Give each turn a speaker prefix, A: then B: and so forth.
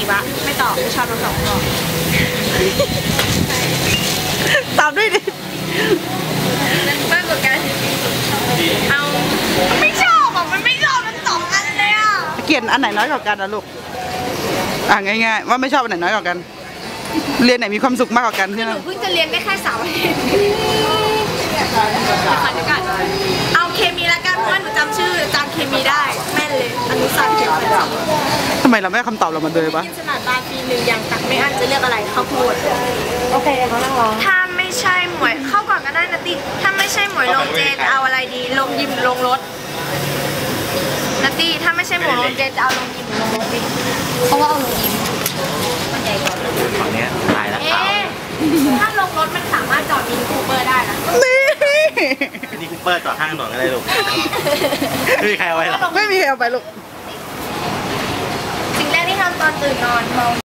A: ละไม่ตอบไม่ชอบทั้งสองข้อ
B: ตอบด้วยดิ
A: มากกว่ากันเอาไม่ชอบอ่ะมันไม่ชอบทั้งสองอันเลยอ่ะ
B: เกลียดอันไหนน้อยกว่ากันนะลูกง่ายๆว่าไม่ชอบอันไหนน้อยกว่ากันเรียนไหนมีความสุขมากกว่ากันใช่ไหม
A: หนูเพิ่งจะเรียนได้แค่3 อาทิตย์เอาเคมีละกันเพราะว่าหนูจำชื่ออาจารย์เคมีได้แม่นเลยอนุสาวรีย์
B: ทำไมเราไม่เอาคำตอบเรามาเลยปะ
A: กินสลัดบาร์ปี1อย่างตักไม่อั้นจะเลือกอะไรข้าวโพด
C: โอเคเขานั่งรอ
A: ถ้าไม่ใช่หมวยเข้าก่อนก็ได้นะติถ้าไม่ใช่หมวยลงเจจะเอาอะไรดีลงยิมลงรถนัตตี้ถ้าไม่ใช่หมวยลงเจจะเอาลงยิมลงรถดิเพราะว่าเอาลงยิม
D: ฝั่งนี้ตายแล้ว
A: ถ้าลงรถมันสามารถจอดมินิคูเปอร์ได้นะ
D: นี่คูเปอร์จอดข้างถนนก็ได้ลูกไม่มีใครเอาไว้หรอก
B: ไม่มีใครเอาไปลูก
A: สิ่งแรกที่ทำตอนตื่นนอนมอง